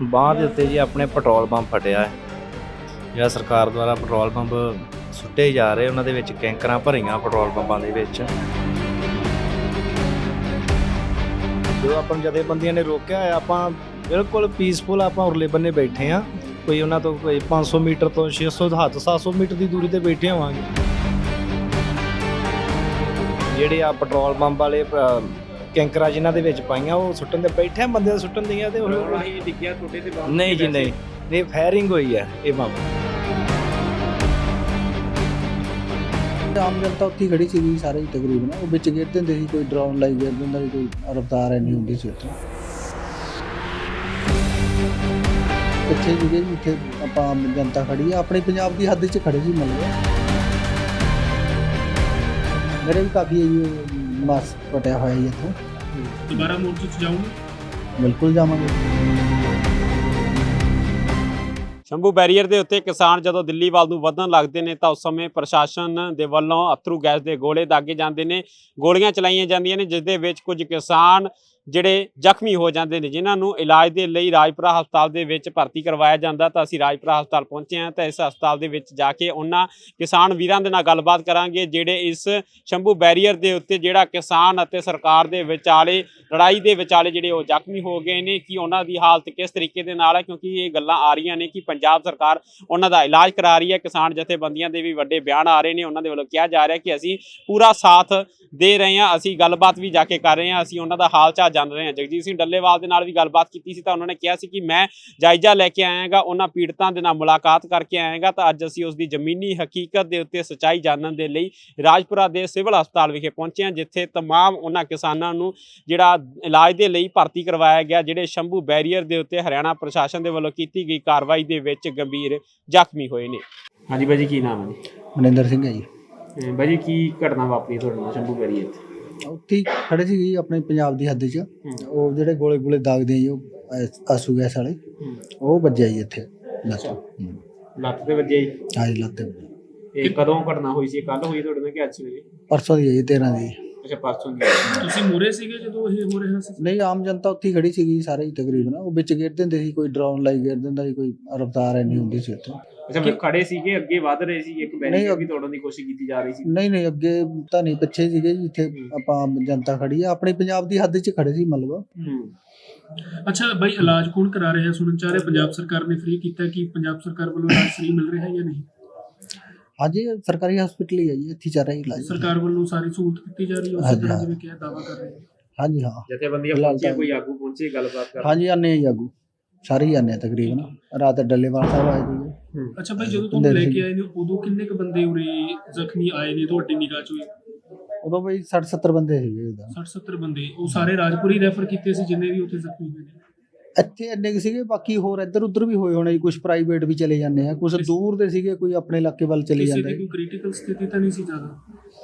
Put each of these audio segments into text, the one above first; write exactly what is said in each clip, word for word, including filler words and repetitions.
ਬਾਂਹ ਦੇ ਉੱਤੇ ਜੀ ਆਪਣੇ ਪੈਟਰੋਲ ਪੰਪ ਫਟਿਆ ਹੈ। ਜਿਹੜਾ ਸਰਕਾਰ ਦੁਆਰਾ ਪੈਟਰੋਲ ਪੰਪ ਸੁੱਟੇ ਜਾ ਰਹੇ ਉਹਨਾਂ ਦੇ ਵਿੱਚ ਕੈਂਕਰਾਂ ਭਰੀਆਂ ਪੈਟਰੋਲ ਪੰਪਾਂ ਦੇ ਵਿੱਚ। ਜੋ ਆਪਾਂ ਨੂੰ ਜਥੇਬੰਦੀਆਂ ਨੇ ਰੋਕਿਆ ਹੈ, ਆਪਾਂ ਬਿਲਕੁਲ ਪੀਸਫੁਲ ਆਪਾਂ ਉਰਲੇ ਬੰਨੇ ਬੈਠੇ ਹਾਂ। ਕੋਈ ਉਹਨਾਂ ਤੋਂ ਕੋਈ ਪੰਜ ਸੌ ਮੀਟਰ ਤੋਂ ਛੇ ਸੌ ਹੱਦ ਸੱਤ ਸੌ ਮੀਟਰ ਦੀ ਦੂਰੀ ਤੇ ਬੈਠੇ ਹੋਵਾਂਗੇ। ਜਿਹੜੇ ਆ ਪੈਟਰੋਲ ਪੰਪ ਵਾਲੇ ਕੈਂਕਰਾਂ ਜਿਨ੍ਹਾਂ ਦੇ ਵਿੱਚ ਪਾਈਆਂ ਉਹ ਸੁੱਟਣ ਦੇ ਬੈਠੇ ਬੰਦੇ ਸੁੱਟਣ ਦੀਆਂ ਤੇ ਡਿੱਗਿਆ ਤੁਹਾਡੇ ਤੇ ਬੰਬ ਨਹੀਂ ਜੀ ਨਹੀਂ ਨਹੀਂ ਫਾਇਰਿੰਗ ਹੋਈ ਹੈ ਇਹ ਬੰਬ। ਆਮ ਜਨਤਾ ਉੱਥੇ ਖੜੀ ਸੀਗੀ ਸਾਰੇ ਹੀ ਤਕਰੀਬਨ, ਉਹ ਵਿੱਚ ਗਿਰ ਦਿੰਦੇ ਸੀ, ਕੋਈ ਡਰੋਨ ਲਾਈ ਗਿਰ ਦਿੰਦਾ ਸੀ, ਕੋਈ ਰਫਤਾਰ ਇੰਨੀ ਹੁੰਦੀ ਸੀ ਉੱਥੇ। ਪਿੱਛੇ ਸੀਗੇ ਜੀ ਇੱਥੇ ਆਪਾਂ ਆਮ ਜਨਤਾ ਖੜੀ ਆ, ਆਪਣੇ ਪੰਜਾਬ ਦੀ ਹੱਦ 'ਚ ਖੜੇ ਸੀ ਮਤਲਬ। ਮੇਰੇ ਵੀ ਕਾਫੀ ਮਾਸ ਪਟਿਆ ਹੋਇਆ ਜੀ ਇੱਥੋਂ। ਦੁਬਾਰਾ ਮੋਰਚੇ 'ਚ ਜਾਊਂਗੇ? ਬਿਲਕੁਲ ਜਾਵਾਂਗੇ। ਸ਼ੰਭੂ ਬੈਰੀਅਰ ਦੇ ਉੱਤੇ ਕਿਸਾਨ ਜਦੋਂ ਦਿੱਲੀ ਵੱਲ ਨੂੰ ਵਧਣ ਲੱਗਦੇ ਨੇ ਤਾਂ ਉਸ ਸਮੇਂ ਪ੍ਰਸ਼ਾਸਨ ਦੇ ਵੱਲੋਂ ਅਥਰੂ ਗੈਸ ਦੇ ਗੋਲੇ ਦਾਗੇ ਜਾਂਦੇ ਨੇ, ਗੋਲੀਆਂ ਚਲਾਈਆਂ ਜਾਂਦੀਆਂ ਨੇ, ਜਿਸ ਦੇ ਵਿੱਚ ਕੁਝ ਕਿਸਾਨ ਜਿਹੜੇ ਜ਼ਖਮੀ ਹੋ ਜਾਂਦੇ ਨੇ, ਜਿਨ੍ਹਾਂ ਨੂੰ ਇਲਾਜ ਦੇ ਲਈ ਰਾਜਪੁਰਾ ਹਸਪਤਾਲ ਦੇ ਵਿੱਚ ਭਰਤੀ ਕਰਵਾਇਆ ਜਾਂਦਾ। ਤਾਂ ਅਸੀਂ ਰਾਜਪੁਰਾ ਹਸਪਤਾਲ ਪਹੁੰਚੇ ਹਾਂ ਤਾਂ ਇਸ ਹਸਪਤਾਲ ਦੇ ਵਿੱਚ ਜਾ ਕੇ ਉਹਨਾਂ ਕਿਸਾਨ ਵੀਰਾਂ ਦੇ ਨਾਲ ਗੱਲਬਾਤ ਕਰਾਂਗੇ ਜਿਹੜੇ ਇਸ ਸ਼ੰਭੂ ਬੈਰੀਅਰ ਦੇ ਉੱਤੇ ਜਿਹੜਾ ਕਿਸਾਨ ਅਤੇ ਸਰਕਾਰ ਦੇ ਵਿਚਾਲੇ ਲੜਾਈ ਦੇ ਵਿਚਾਲੇ ਜਿਹੜੇ ਉਹ ਜ਼ਖਮੀ ਹੋ ਗਏ ਨੇ, ਕਿ ਉਹਨਾਂ ਦੀ ਹਾਲਤ ਕਿਸ ਤਰੀਕੇ ਦੇ ਨਾਲ ਹੈ, ਕਿਉਂਕਿ ਇਹ ਗੱਲਾਂ ਆ ਰਹੀਆਂ ਨੇ ਕਿ ਪੰਜਾਬ ਸਰਕਾਰ ਉਹਨਾਂ ਦਾ ਇਲਾਜ ਕਰਾ ਰਹੀ ਹੈ। ਕਿਸਾਨ ਜਥੇਬੰਦੀਆਂ ਦੇ ਵੀ ਵੱਡੇ ਬਿਆਨ ਆ ਰਹੇ ਨੇ, ਉਹਨਾਂ ਦੇ ਵੱਲੋਂ ਕਿਹਾ ਜਾ ਰਿਹਾ ਕਿ ਅਸੀਂ ਪੂਰਾ ਸਾਥ ਦੇ ਰਹੇ ਹਾਂ, ਅਸੀਂ ਗੱਲਬਾਤ ਵੀ ਜਾ ਕੇ ਕਰ ਰਹੇ ਹਾਂ, ਅਸੀਂ ਉਹਨਾਂ ਦਾ ਹਾਲ ਚਾਲ ਜਾਣ ਰਹੇ ਹਾਂ। ਜਗਜੀਤ ਸਿੰਘ ਡੱਲੇਵਾਲ ਦੇ ਨਾਲ ਵੀ ਗੱਲਬਾਤ ਕੀਤੀ ਸੀ ਤਾਂ ਉਹਨਾਂ ਨੇ ਕਿਹਾ ਸੀ ਕਿ ਮੈਂ ਜਾਇਜ਼ਾ ਲੈ ਕੇ ਆਇਆਗਾ, ਉਹਨਾਂ ਪੀੜਤਾਂ ਦੇ ਨਾਲ ਮੁਲਾਕਾਤ ਕਰਕੇ ਆਇਆਗਾ। ਤਾਂ ਅੱਜ ਅਸੀਂ ਉਸ ਦੀ ਜ਼ਮੀਨੀ ਹਕੀਕਤ ਦੇ ਉੱਤੇ ਸੱਚਾਈ ਜਾਣਨ ਦੇ ਲਈ ਰਾਜਪੁਰਾ ਦੇ ਸਿਵਲ ਹਸਪਤਾਲ ਵਿਖੇ ਪਹੁੰਚੇ ਹਾਂ, ਜਿੱਥੇ ਤਮਾਮ ਉਹਨਾਂ ਕਿਸਾਨਾਂ ਨੂੰ ਜਿਹੜਾ ਇਲਾਜ ਦੇ ਲਈ ਭਰਤੀ ਕਰਵਾਇਆ ਗਿਆ, ਜਿਹੜੇ ਸ਼ੰਭੂ ਬੈਰੀਅਰ ਦੇ ਉੱਤੇ ਹਰਿਆਣਾ ਪ੍ਰਸ਼ਾਸਨ ਦੇ ਵੱਲੋਂ ਕੀਤੀ ਗਈ ਕਾਰਵਾਈ ਦੇ ਵਿੱਚ ਗੰਭੀਰ ਜ਼ਖਮੀ ਹੋਏ ਨੇ। ਹਾਂਜੀ ਬਾਈ ਜੀ, ਕੀ ਨਾਮ ਹੈ ਜੀ? ਮਨਿੰਦਰ ਸਿੰਘ ਹੈ ਜੀ। ਬਾਈ ਜੀ, ਕੀ ਘਟਨਾ ਵਾਪਰੀ ਤੁਹਾਡੇ ਨਾਲ ਸ਼ੰਭੂ ਬੈਰੀਅਰ ਤੇ? ਉੱਥੇ ਹੀ ਖੜੇ ਸੀ ਆਪਣੇ ਪੰਜਾਬ ਦੀ ਹੱਦ 'ਚ, ਉਹ ਜਿਹੜੇ ਗੋਲੇ ਗੋਲੇ ਦਾਗਦੇ ਜੀ, ਉਹ ਆਸੂ ਗੈਸ ਵਾਲੇ, ਉਹ ਵੱਜਿਆ ਜੀ ਇੱਥੇ ਲੱਤ ਲੱਤ ਤੇ ਵੱਜਿਆ ਜੀ? ਹਾਂਜੀ ਲੱਤ ਤੇ। ਇਹ ਕਦੋਂ ਘਟਨਾ ਹੋਈ ਸੀ? ਕੱਲ ਹੋਈ ਤੁਹਾਡੇ ਨਾਲ ਕਿ ਅੱਜ ਸਵੇਰੇ? ਪਰਸੋਂ ਦੀ ਹੈ ਜੀ, ਤੇਰਾਂ ਦੀ। ਅੱਛਾ, ਪਰਸੋਂ ਦੀ। ਤੁਸੀਂ ਮੂਰੇ ਸੀਗੇ ਜਦੋਂ ਇਹ ਹੋ ਰਿਹਾ ਸੀ? ਨਹੀਂ, ਆਮ ਜਨਤਾ ਉੱਥੇ ਹੀ ਖੜੀ ਸੀਗੀ ਸਾਰੇ ਹੀ ਤਕਰੀਬਨ, ਉਹ ਵਿੱਚ ਗਿਰ ਦਿੰਦੇ ਸੀ, ਕੋਈ ਡਰੋਨ ਲਾਈ ਗਿਰ ਦਿੰਦਾ ਸੀ, ਕੋਈ ਰਫਤਾਰ ਇੰਨੀ ਹੁੰਦੀ ਸੀ ਉੱਥੇ। ਅੱਛਾ, ਫਿਰ ਖੜੇ ਸੀਗੇ, ਅੱਗੇ ਵਧ ਰਹੇ ਸੀ, ਇੱਕ ਬੈਰੀਅਰ ਵੀ ਤੋੜਨ ਦੀ ਕੋਸ਼ਿਸ਼ ਕੀਤੀ ਜਾ ਰਹੀ ਸੀ? ਨਹੀਂ ਨਹੀਂ, ਅੱਗੇ ਤਾਂ ਨਹੀਂ, ਪਿੱਛੇ ਸੀਗੇ ਜੀ, ਜਿੱਥੇ ਆਪਾਂ ਆਮ ਜਨਤਾ ਖੜੀ ਆ, ਆਪਣੇ ਪੰਜਾਬ ਦੀ ਹੱਦ 'ਚ ਖੜੇ ਸੀ ਮਤਲਬ। ਅੱਛਾ ਬਾਈ, ਇਲਾਜ ਕੌਣ ਕਰਾ ਰਿਹਾ? ਸੁਣਨ ਚਾਹ ਰਿਹਾ ਪੰਜਾਬ ਸਰਕਾਰ ਨੇ ਫ੍ਰੀ ਕੀਤਾ, ਕਿ ਪੰਜਾਬ ਸਰਕਾਰ ਵੱਲੋਂ ਇਲਾਜ ਫ੍ਰੀ ਮਿਲ ਰਿਹਾ ਜਾਂ ਨਹੀਂ? ਹਾਂਜੀ, ਸਰਕਾਰੀ ਹਸਪੀਟਲ ਹੀ ਹੈ ਜੀ, ਇੱਥੇ ਚੱਲ ਰਿਹਾ ਇਲਾਜ। ਸਰਕਾਰ ਵੱਲੋਂ ਸਾਰੀ ਸਹੂਲਤ ਦਿੱਤੀ ਜਾ ਰਹੀ ਹੈ ਉਸੇ ਤਰ੍ਹਾਂ ਜਿਵੇਂ ਕਿਹਾ ਦਾਅਵਾ ਕਰ ਰਹੇ ਨੇ? ਹਾਂਜੀ ਹਾਂ। ਜਥੇਬੰਦੀਆਂ ਪਹੁੰਚੀਆਂ, ਕੋਈ ਆਗੂ ਪਹੁੰਚੇ ਗੱਲਬਾਤ ਕਰਨ? ਹਾਂਜੀ, ਆਨੇ ਜੀ ਆਗੂ ਸਾਰੇ ਹੀ ਆਨੇ ਤਕਰੀਬਨ। ਰਾਤ ਡੱਲੇਵਾਲ ਸਾਹਿਬ ਆਏ ਸੀਗੇ। ਅੱਛਾ ਬਾਈ, ਜਦੋਂ ਤੁਹਾਨੂੰ ਲੈ ਕੇ ਆਏ ਨੇ ਉਦੋਂ ਕਿੰਨੇ ਕੁ ਬੰਦੇ ਉਰੇ ਜ਼ਖਮੀ ਆਏ ਨੇ ਤੁਹਾਡੀ ਨਿਗਾਹ 'ਚ? ਉਦੋਂ ਬਈ ਸੱਠ ਸੱਤਰ ਬੰਦੇ ਸੀਗੇ ਉਦੋਂ। ਸੱਠ ਸੱਤਰ ਬੰਦੇ? ਉਹ ਸਾਰੇ ਰਾਜਪੁਰੀ ਰੈਫਰ ਕੀਤੇ ਸੀ ਜਿੰਨੇ ਵੀ ਉੱਥੇ ਜ਼ਖਮੀ ਹੋਏ ਨੇ? ਇੱਥੇ ਇੰਨੇ ਕੁ ਸੀਗੇ, ਬਾਕੀ ਹੋਰ ਇੱਧਰ ਉੱਧਰ ਵੀ ਹੋਏ ਹੋਣੇ ਜੀ, ਕੁਝ ਪ੍ਰਾਈਵੇਟ ਵੀ ਚਲੇ ਜਾਂਦੇ ਆ, ਕੁਝ ਦੂਰ ਦੇ ਸੀਗੇ, ਕੋਈ ਆਪਣੇ ਇਲਾਕੇ ਵੱਲ ਚਲੇ ਜਾਂਦੇ। ਕਿਸੇ ਦੀ ਕੋਈ ਕ੍ਰਿਟੀਕਲ ਸਥਿਤੀ ਤਾਂ ਨਹੀਂ ਸੀ ਜ਼ਿਆਦਾ?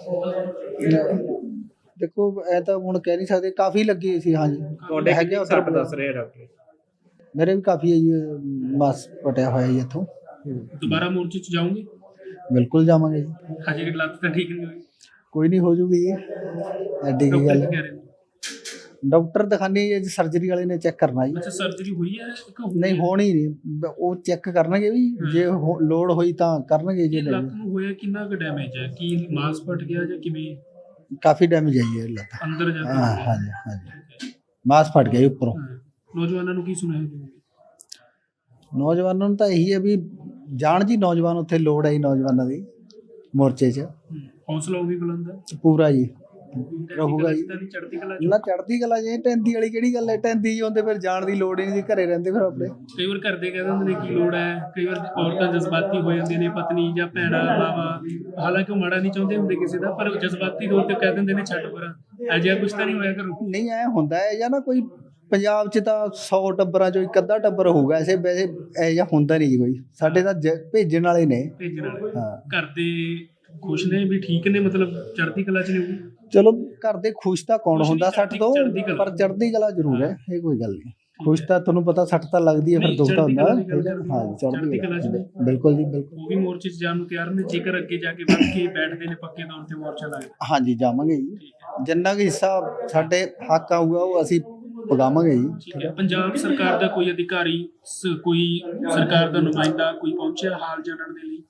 ਦੇਖੋ ਐ ਤਾਂ ਹੁਣ ਕਹਿ ਨਹੀਂ ਸਕਦੇ, ਕਾਫੀ ਲੱਗੀ ਸੀ। ਹਾਂਜੀ, ਤੁਹਾਡੇ ਕਿੰਨੇ ਸੱਟ ਦੱਸ ਰਹੇ ਡਾਕਟਰ? ਮੇਰੇ ਵੀ ਕਾਫੀ ਹੈ ਜੀ, ਮਾਸ ਪਟਿਆ ਹੋਇਆ ਜੀ ਇੱਥੋਂ। ਦੁਬਾਰਾ ਮੋਰਚੇ 'ਚ ਜਾਊਂਗੇ? ਬਿਲਕੁਲ ਜਾਵਾਂਗੇ ਜੀ। ਹਜੇ ਲੱਤ ਤਾਂ ਠੀਕ ਨਹੀਂ ਹੋਈ? ਕੋਈ ਨਹੀਂ, ਹੋ ਜੂਗੀ ਜੀ, ਐਡੀ ਕੀ ਗੱਲ। ਕਹਿ ਰਹੇ ਨੇ ਡਾਕਟਰ ਦਿਖਾਣੇ ਜੀ, ਸਰਜਰੀ ਵਾਲੇ ਨੇ ਚੈੱਕ ਕਰਨਾ ਜੀ। ਅੱਛਾ, ਸਰਜਰੀ ਹੋਈ ਹੈ? ਨਹੀਂ, ਹੋਣੀ ਨਹੀਂ, ਉਹ ਚੈੱਕ ਕਰਨਗੇ ਵੀ, ਜੇ ਲੋੜ ਹੋਈ ਤਾਂ ਕਰਨਗੇ। ਜੇ ਲੱਤ ਨੂੰ ਹੋਇਆ ਕਿੰਨਾ ਕੁ ਡੈਮੇਜ ਹੈ? ਕੀ ਮਾਸ ਫਟ ਗਿਆ ਜਾਂ ਕਿਵੇਂ? ਕਾਫੀ ਡੈਮੇਜ ਆਈ ਹੈ ਲੱਤ ਅੰਦਰ ਜਾ ਕੇ? ਹਾਂ ਹਾਂਜੀ ਹਾਂਜੀ, ਮਾਸ ਫਟ ਗਿਆ ਉੱਪਰੋਂ। ਨੌਜਵਾਨਾਂ ਨੂੰ ਕੀ ਸੁਣਾਇਆ ਜੀ? ਨੌਜਵਾਨਾਂ ਨੂੰ ਤਾਂ ਇਹੀ ਹੈ ਵੀ ਜਾਣ ਜੀ, ਨੌਜਵਾਨ ਉੱਥੇ ਲੋੜ ਹੈ ਜੀ ਨੌਜਵਾਨਾਂ ਦੀ ਮੋਰਚੇ 'ਚ। ਹੌਸਲਾ ਉਹ ਵੀ ਬੁਲੰਦ ਹੈ ਪੂਰਾ ਜੀ, ਰਹੂਗਾ ਜੀ। ਚੜ੍ਹਦੀ ਕਲਾ ਨਾ ਚੜ੍ਹਦੀ ਕਲਾ ਜੀ, ਟੈਂਦੀ ਵਾਲੀ ਕਿਹੜੀ ਗੱਲ ਹੈ? ਟੈਂਦੀ ਜੀ ਹੁੰਦੇ ਫਿਰ ਜਾਣ ਦੀ ਲੋੜ ਹੀ ਨਹੀਂ, ਘਰੇ ਰਹਿੰਦੇ ਫਿਰ ਆਪਣੇ। ਕਈ ਵਾਰ ਘਰ ਦੇ ਕਹਿ ਦਿੰਦੇ ਨੇ ਕੀ ਲੋੜ ਹੈ, ਕਈ ਵਾਰ ਔਰਤਾਂ ਜਜ਼ਬਾਤੀ ਹੋ ਜਾਂਦੀਆਂ ਨੇ, ਪਤਨੀ ਜਾਂ ਭੈਣਾਂ ਮਾਵਾ, ਹਾਲਾਂਕਿ ਉਹ ਮਾੜਾ ਨਹੀਂ ਚਾਹੁੰਦੇ ਹੁੰਦੇ ਕਿਸੇ ਦਾ, ਪਰ ਜਜ਼ਬਾਤੀ ਤੌਰ ਤੇ ਕਹਿ ਦਿੰਦੇ ਨੇ ਛੱਡ ਪਰਾਂ, ਅਜਿਹਾ ਕੁਛ ਤਾਂ ਨਹੀਂ ਹੋਇਆ ਕਰੋ? ਨਹੀਂ, ਐ ਹੁੰਦਾ ਹੈ ਜਾਂ ਨਾ, ਕੋਈ ਪੰਜਾਬ 'ਚ ਤਾਂ ਸੌ ਟੱਬਰਾਂ 'ਚੋਂ ਇੱਕ ਅੱਧਾ ਟੱਬਰ ਹੋਊਗਾ ਐਸੇ, ਵੈਸੇ ਇਹ ਜਿਹਾ ਹੁੰਦਾ ਨਹੀਂ ਜੀ ਕੋਈ। ਸਾਡੇ ਤਾਂ ਭੇਜਣ ਵਾਲੇ ਨੇ। ਭੇਜਣ ਵਾਲੇ? ਹਾਂ। ਘਰ ਦੇ ਖੁਸ਼ ਨੇ ਵੀ, ਠੀਕ ਨੇ, ਮਤਲਬ ਚੜ੍ਹਦੀ ਕਲਾ 'ਚ ਨੇ? ਚਲੋ, ਘਰ ਦੇ ਖੁਸ਼ ਤਾਂ ਕੌਣ ਹੁੰਦਾ ਸੱਟ ਤੋਂ, ਪਰ ਚੜ੍ਹਦੀ ਕਲਾ ਜ਼ਰੂਰ ਹੈ, ਇਹ ਕੋਈ ਗੱਲ ਨਹੀਂ। ਖੁਸ਼ ਤਾਂ ਤੁਹਾਨੂੰ ਪਤਾ ਸੱਟ ਤਾਂ ਲੱਗਦੀ ਹੈ, ਫਿਰ ਦੁੱਖ ਤਾਂ ਹੁੰਦਾ। ਹਾਂ, ਚੜ੍ਹਦੀ ਕਲਾ 'ਚ ਬਿਲਕੁਲ ਜੀ, ਬਿਲਕੁਲ। ਉਹ ਵੀ ਮੋਰਚੇ 'ਚ ਜਾਣ ਨੂੰ ਤਿਆਰ ਨੇ, ਜੇਕਰ ਅੱਗੇ ਜਾ ਕੇ ਵੱਧ ਕੇ ਬੈਠਦੇ ਨੇ ਪੱਕੇ ਤੌਰ ਤੇ ਮੋਰਚਾ ਲਾ ਕੇ? ਹਾਂਜੀ, ਜਾਵਾਂਗੇ ਜੀ। ਜਿੰਨਾ ਕੁ ਹਿੱਸਾ ਸਾਡੇ ਹੱਕ ਆਊਗਾ ਉਹ ਅਸੀਂ ਪਗਾਵਾਂਗੇ ਜੀ। ਠੀਕ ਹੈ। ਪੰਜਾਬ ਸਰਕਾਰ ਦਾ ਕੋਈ ਅਧਿਕਾਰੀ ਸ- ਕੋਈ ਸਰਕਾਰ ਦਾ ਨੁਮਾਇੰਦਾ ਕੋਈ ਪਹੁੰਚਿਆ ਹਾਲ ਜਾਣਨ ਦੇ ਲਈ?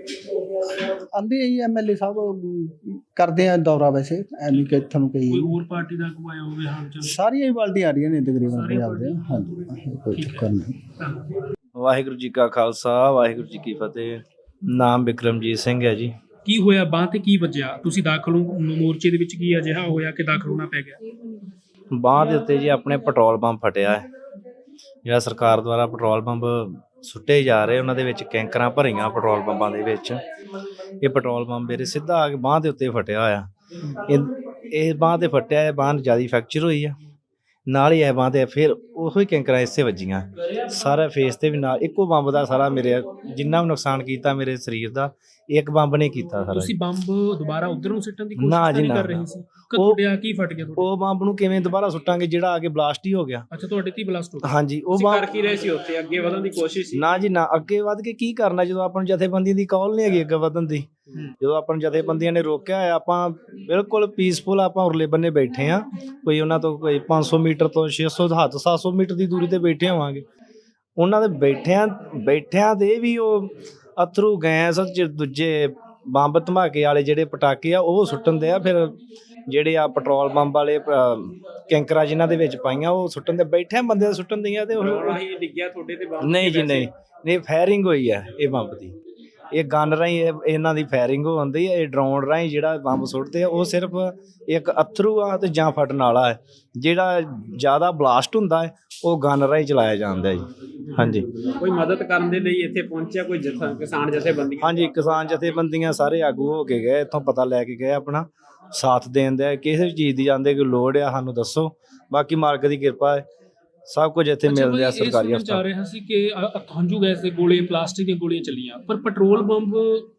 ਆਂਦੇ ਹੀ ਐਮਐਲਏ ਸਾਹਿਬ ਅਮ, ਕਰਦੇ ਆ ਦੌਰਾ, ਵੈਸੇ ਐਨੀ ਕਿ ਤੁਹਾਨੂੰ ਕੋਈ ਕਹੀ ਹੋਰ ਪਾਰਟੀ ਦਾ ਕੋਈ ਆਇਆ ਹੋਵੇ ਹਾਲ ਚਾਲ? ਸਾਰੀਆਂ ਹੀ ਪਾਰਟੀਆਂ ਆ ਰਹੀਆਂ ਨੇ ਤਕਰੀਬਨ ਸਾਰੀਆਂ ਪੰਜਾਬ ਦੇ। ਹਾਂਜੀ, ਕੋਈ ਠੀਕ ਹੈ। ਚੱਕਰ ਨਹੀਂ। ਧੰਨਵਾਦ। ਵਾਹਿਗੁਰੂ ਜੀ ਕਾ ਖਾਲਸਾ ਵਾਹਿਗੁਰੂ ਜੀ ਕੀ ਫਤਿਹ। ਨਾਮ ਬਿਕਰਮਜੀਤ ਸਿੰਘ ਹੈ ਜੀ। ਕੀ ਹੋਇਆ ਬਾਂਹ ਤੇ ਕੀ ਵੱਜਿਆ? ਤੁਸੀਂ ਦਾਖਲ ਹੋ ਮੋਰਚੇ ਦੇ ਵਿੱਚ, ਕੀ ਅਜਿਹਾ ਹੋਇਆ ਕਿ ਦਾਖਲ ਹੋਣਾ ਪੈ ਗਿਆ? ਬਾਂਹ ਦੇ ਉੱਤੇ ਜੀ ਆਪਣੇ ਪੈਟਰੋਲ ਪੰਪ ਫਟਿਆ ਹੈ। ਜਿਹੜਾ ਸਰਕਾਰ ਦੁਆਰਾ ਪੈਟਰੋਲ ਪੰਪ ਸੁੱਟੇ ਜਾ ਰਹੇ ਉਹਨਾਂ ਦੇ ਵਿੱਚ ਕੈਂਕਰਾਂ ਭਰੀਆਂ ਪੈਟਰੋਲ ਪੰਪਾਂ ਦੇ ਵਿੱਚ। ਇਹ ਪੈਟਰੋਲ ਪੰਪ ਮੇਰੇ ਸਿੱਧਾ ਆ ਕੇ ਬਾਂਹ ਦੇ ਉੱਤੇ ਫਟਿਆ ਹੋਇਆ। ਇਹ ਇਹ ਬਾਂਹ ਤੇ ਫਟਿਆ ਹੈ, ਬਾਂਹ ਜਿਆਦਾ ਫ੍ਰੈਕਚਰ ਹੋਈ ਆ। ਨਾਲ ਹੀ ਇਹ ਬਾਂਹ ਤੇ ਫਿਰ ਉਹੀ ਕੈਂਕਰਾਂ ਇਸੇ ਵੱਜੀਆਂ। ਸਾਰਾ ਫੇਸ ਤੇ ਵੀ ਨਾਲ ਇੱਕੋ ਬੰਬ ਦਾ ਸਾਰਾ ਮੇਰੇ ਜਿੰਨਾ ਵੀ ਨੁਕਸਾਨ ਕੀਤਾ ਮੇਰੇ ਸਰੀਰ ਦਾ ਇੱਕ ਬੰਬ ਨੇ ਕੀਤਾ ਸਾਰਾ। ਤੁਸੀਂ ਬੰਬ ਦੁਬਾਰਾ ਉਧਰ ਨੂੰ ਸਿੱਟਣ ਦੀ ਨਾ ਕੋਸ਼ਿਸ਼ ਜੀ, ਨਹੀਂ ਨਾ, ਕਰ ਰਹੇ ਨਾ। ਸੀ ਕਿ ਉਹ- ਤੁਹਾਡੇ ਆ ਕੀ ਫਟ ਗਿਆ ਤੁਹਾਡੇ? ਉਹ ਬੰਬ ਨੂੰ ਕਿਵੇਂ ਦੁਬਾਰਾ ਸੁੱਟਾਂਗੇ ਜਿਹੜਾ ਆ ਕੇ ਬਲਾਸਟ ਹੀ ਹੋ ਗਿਆ। ਅੱਛਾ, ਤੁਹਾਡੇ ਤੇ ਬਲਾਸਟ ਹੋ ਗਿਆ। ਹਾਂਜੀ, ਉਹ ਤੁਸੀਂ ਬੰਬ ਕਰ ਕੀ ਰਹੇ ਸੀ ਉੱਥੇ? ਅੱਗੇ ਵਧਣ ਦੀ ਕੋਸ਼ਿਸ਼ ਸੀ? ਨਾ ਜੀ ਨਾ, ਅੱਗੇ ਵੱਧ ਕੇ ਕੀ ਕਰਨਾ ਜਦੋਂ ਆਪਾਂ ਨੂੰ ਜਥੇਬੰਦੀਆਂ ਦੀ ਕਾਲ ਨਹੀਂ ਹੈਗੀ ਅੱਗੇ ਵਧਣ ਦੀ। ਜਦੋਂ ਆਪਾਂ ਨੂੰ ਜਥੇਬੰਦੀਆਂ ਨੇ ਰੋਕਿਆ ਹੋਇਆ, ਆਪਾਂ ਬਿਲਕੁਲ ਪੀਸਫੁਲ ਆਪਾਂ ਉਰਲੇ ਬੰਨੇ ਬੈਠੇ ਆ। ਕੋਈ ਉਹਨਾਂ ਤੋਂ ਕੋਈ ਪੰਜ ਸੌ ਮੀਟਰ ਤੋਂ ਛੇ ਸੌ ਹੱਦ ਸੱਤ ਸੌ ਮੀਟਰ ਦੀ ਦੂਰੀ ਤੇ ਬੈਠੇ ਹੋਵਾਂਗੇ। ਉਹਨਾਂ ਦੇ ਬੈਠਿਆਂ ਬੈਠਿਆਂ ਦੇ ਵੀ ਉਹ ਅਥਰੂ ਗੈਸ ਚ ਦੂਜੇ ਬੰਬ ਧਮਾਕੇ ਵਾਲੇ ਜਿਹੜੇ ਪਟਾਕੇ ਆ ਉਹ ਸੁੱਟਣ ਦੇ ਆ। ਫਿਰ ਜਿਹੜੇ ਆ ਪੈਟਰੋਲ ਪੰਪ ਵਾਲੇ ਅਹ, ਕੈਂਕਰਾਂ ਜਿਨ੍ਹਾਂ ਦੇ ਵਿੱਚ ਪਾਈਆਂ ਉਹ ਸੁੱਟਣ ਦੇ ਬੈਠਿਆਂ ਬੰਦੇ ਦੇ ਸੁੱਟਣ ਦੀਆਂ ਤੇ ਉਹ ਰਾਹੀਂ ਡਿੱਗਿਆ ਤੁਹਾਡੇ ਤੇ ਬੰਬ? ਨਹੀਂ ਜੀ, ਨਹੀਂ ਨਹੀਂ, ਫਾਇਰਿੰਗ ਹੋਈ ਹੈ ਇਹ ਬੰਬ ਦੀ। ਇਹ ਗਨ ਰਾਹੀਂ ਇਹ- ਇਹਨਾਂ ਦੀ ਫਾਇਰਿੰਗ ਹੁੰਦੀ ਹੈ। ਇਹ ਡਰੋਨ ਰਾਹੀਂ ਜਿਹੜਾ ਬੰਬ ਸੁੱਟਦੇ ਆ ਉਹ ਸਿਰਫ ਇੱਕ ਅਥਰੂ ਆ ਤੇ ਜਾਂ ਫਟਣ ਵਾਲਾ ਹੈ। ਜਿਹੜਾ ਜ਼ਿਆਦਾ ਬਲਾਸਟ ਹੁੰਦਾ ਹੈ ਉਹ ਗਨ ਰਾਹੀਂ ਚਲਾਇਆ ਜਾਂਦਾ ਹੈ ਜੀ। ਹਾਂਜੀ ਕੋਈ ਮਦਦ ਕਰਨ ਦੇ ਲਈ ਇੱਥੇ ਪਹੁੰਚਿਆ ਕੋਈ ਜਥਾ ਕਿਸਾਨ ਜਥੇਬੰਦੀਆਂ? ਹਾਂਜੀ, ਕਿਸਾਨ ਜਥੇਬੰਦੀਆਂ ਸਾਰੇ ਆਗੂ ਹੋ ਕੇ ਗਏ ਇੱਥੋਂ, ਪਤਾ ਲੈ ਕੇ ਗਏ, ਆਪਣਾ ਸਾਥ ਦੇਣ ਦੇ। ਕਿਸੇ ਵੀ ਚੀਜ਼ ਦੀ ਜਾਂਦੇ ਕੋਈ ਲੋੜ ਆ ਸਾਨੂੰ ਦੱਸੋ, ਬਾਕੀ ਮਾਲਕ ਦੀ ਕਿਰਪਾ ਹੈ ਸਭ ਕੁਝ ਇੱਥੇ ਮਿਲ ਰਿਹਾ ਸਰਕਾਰੀ ਜਾ ਹਸਪਤਾਲ। ਰਿਹਾ ਸੀ ਕਿ ਅ- ਹੰਝੂ ਗੈਸ ਦੇ ਗੋਲੇ, ਪਲਾਸਟਿਕ ਦੀਆਂ ਗੋਲੀਆਂ ਚੱਲੀਆਂ, ਪਰ ਪੈਟਰੋਲ ਬੰਬ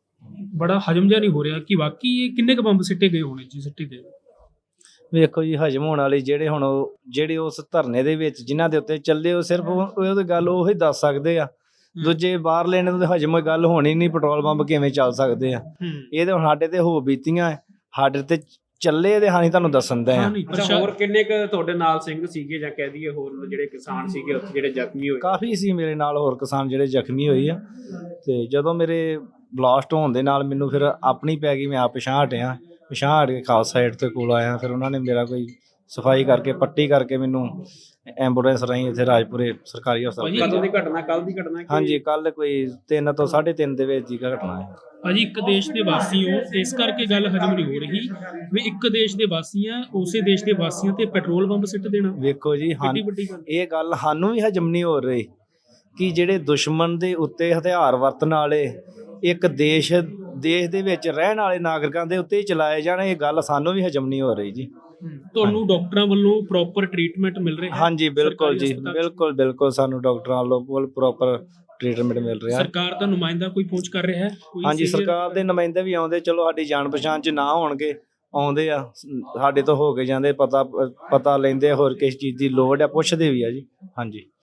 ਬੜਾ ਹਜਮ ਜਿਹਾ ਨਹੀਂ ਹੋ ਰਿਹਾ ਕਿ ਵਾਕਈ ਇਹ ਕਿੰਨੇ ਕੁ ਬੰਬ ਸਿੱਟੇ ਗਏ ਹੋਣੇ ਜੀ? ਸਿੱਟੇ ਗਏ ਵੇਖੋ ਜੀ, ਹਜਮ ਹੋਣ ਵਾਲੀ ਜਿਹੜੇ ਹੁਣ ਉਹ- ਜਿਹੜੇ ਉਸ ਧਰਨੇ ਦੇ ਵਿੱਚ ਜਿਨ੍ਹਾਂ ਦੇ ਉੱਤੇ ਚੱਲੇ ਉਹ ਸਿਰਫ ਉਹ ਉਹਦੀ ਗੱਲ ਉਹੀ ਦੱਸ ਸਕਦੇ ਆ। ਦੂਜੇ ਬਾਹਰ ਲੈਣੇ ਤੋਂ ਹਜਮ ਗੱਲ ਹੋਣੀ ਨਹੀਂ। ਪੈਟਰੋਲ ਪੰਪ ਕਿਵੇਂ ਚੱਲ ਸਕਦੇ ਆ? ਹੂੰ ਇਹ ਤਾਂ ਹੁਣ ਸਾਡੇ ਤੇ ਹੋ ਬੀਤੀਆਂ ਹੈ, ਸਾਡੇ ਤੇ ਚੱਲੇ ਤੇ ਹਾਨੀ ਤੁਹਾਨੂੰ ਦੱਸਣ ਦੇ ਆ। ਹਾਂ ਨਹੀਂ ਅੱਛਾ, ਪ੍ਰਸ਼ਾ- ਹੋਰ ਕਿੰਨੇ ਕੁ ਤੁਹਾਡੇ ਨਾਲ ਸਿੰਘ ਸੀਗੇ ਜਾਂ ਕਹਿ ਦਈਏ ਹੋਰ ਜਿਹੜੇ ਕਿਸਾਨ ਸੀਗੇ ਉੱਥੇ ਜਿਹੜੇ ਜ਼ਖਮੀ ਹੋਏ? ਕਾਫੀ ਸੀ ਮੇਰੇ ਨਾਲ ਹੋਰ ਕਿਸਾਨ ਜਿਹੜੇ ਜ਼ਖਮੀ ਹੋਏ ਆ। ਤੇ ਜਦੋਂ ਮੇਰੇ ਬਲਾਸਟ ਹੋਣ ਦੇ ਨਾਲ ਮੈਨੂੰ ਫਿਰ ਆਪਣੀ ਪੈ ਗਈ, ਮੈਂ ਆਪ ਪਿਛਾਂਹ ਹਟਿਆ। ਪਿਛਾਂਹ ਹਟ ਕੇ ਖਾਲਸਾ ਸਾਈਡ ਤੇ ਕੋਲ ਆਇਆ। ਫਿਰ ਉਹਨਾਂ ਨੇ ਮੇਰਾ ਕੋਈ ਸਫਾਈ ਕਰਕੇ ਪੱਟੀ ਕਰਕੇ ਮੈਨੂੰ ਐਂਬੂਲੈਂਸ ਰਾਹੀਂ ਇੱਥੇ ਰਾਜਪੁਰੇ ਸਰਕਾਰੀ ਹਸਪਤਾਲ। ਕਦੋਂ ਦੀ ਘਟਨਾ? ਕੱਲ ਦੀ ਘਟਨਾ? ਕਿ- ਹਾਂਜੀ, ਕੱਲ ਕੋਈ ਤਿੰਨ ਤੋਂ ਸਾਢੇ ਤਿੰਨ ਦੇ ਵਿੱਚ ਦੀ ਘਟਨਾ ਹੈ। ਭਾਜੀ ਇੱਕ ਦੇਸ਼ ਦੇ ਵਾਸੀ ਹੋ, ਇਸ ਕਰਕੇ ਗੱਲ ਹਜਮ ਨਹੀਂ ਹੋ ਰਹੀ ਵੀ ਇੱਕ ਦੇਸ਼ ਦੇ ਵਾਸੀ ਆ, ਉਸੇ ਦੇਸ਼ ਦੇ ਵਾਸੀਆਂ ਤੇ ਪੈਟਰੋਲ ਬੰਬ ਸਿੱਟ ਦੇਣਾ ਵੇਖੋ ਜੀ, ਹਾਂ ਕਿੰਨੀ ਵੱਡੀ ਗੱਲ। ਇਹ ਗੱਲ ਸਾਨੂੰ ਵੀ ਹਜਮ ਨਹੀਂ ਹੋ ਰਹੀ ਕਿ ਜਿਹੜੇ ਦੁਸ਼ਮਣ ਦੇ ਉੱਤੇ ਹਥਿਆਰ ਵਰਤਣ ਵਾਲੇ ਇੱਕ ਦੇਸ਼ ਦੇਸ਼ ਦੇ ਵਿੱਚ ਰਹਿਣ ਵਾਲੇ ਨਾਗਰਿਕਾਂ ਦੇ ਉੱਤੇ ਹੀ ਚਲਾਏ ਜਾਣ, ਇਹ ਗੱਲ ਸਾਨੂੰ ਵੀ ਹਜਮ ਨਹੀਂ ਹੋ ਰਹੀ ਜੀ। ਤੁਹਾਨੂੰ ਡਾਕਟਰਾਂ ਵੱਲੋਂ ਪ੍ਰੋਪਰ ਟ੍ਰੀਟਮੈਂਟ ਮਿਲ ਰਿਹਾ ਹੈ? ਹਾਂਜੀ, ਬਿਲਕੁਲ ਜੀ, ਸਰਕਾਰੀ ਹਸਪਤਾਲ 'ਚ? ਬਿਲਕੁਲ ਬਿਲਕੁਲ ਸਾਨੂੰ ਡਾਕਟਰਾਂ ਵੱਲੋਂ ਪ੍ਰੋਪਰ ਟ੍ਰੀਟਮੈਂਟ ਮਿਲ ਰਿਹਾ। ਸਰਕਾਰ ਦਾ ਨੁਮਾਇੰਦਾ ਕੋਈ ਪਹੁੰਚ ਕਰ ਰਿਹਾ ਹੈ? ਕੋਈ ਹਾਂਜੀ, senior- ਸਰਕਾਰ ਦੇ ਨੁਮਾਇੰਦੇ ਵੀ ਆਉਂਦੇ, ਚਲੋ ਸਾਡੀ ਜਾਣ ਪਛਾਣ ਚ ਨਾ ਹੋਣਗੇ, ਆਉਂਦੇ ਆ ਸਾਡੇ ਤੋਂ ਹੋ ਕੇ ਜਾਂਦੇ, ਪਤਾ ਪਤਾ ਲੈਂਦੇ ਆ, ਹੋਰ ਕਿਸ ਚੀਜ਼ ਦੀ ਲੋੜ ਆ ਪੁੱਛਦੇ ਵੀ ਆ ਜੀ। ਹਾਂਜੀ।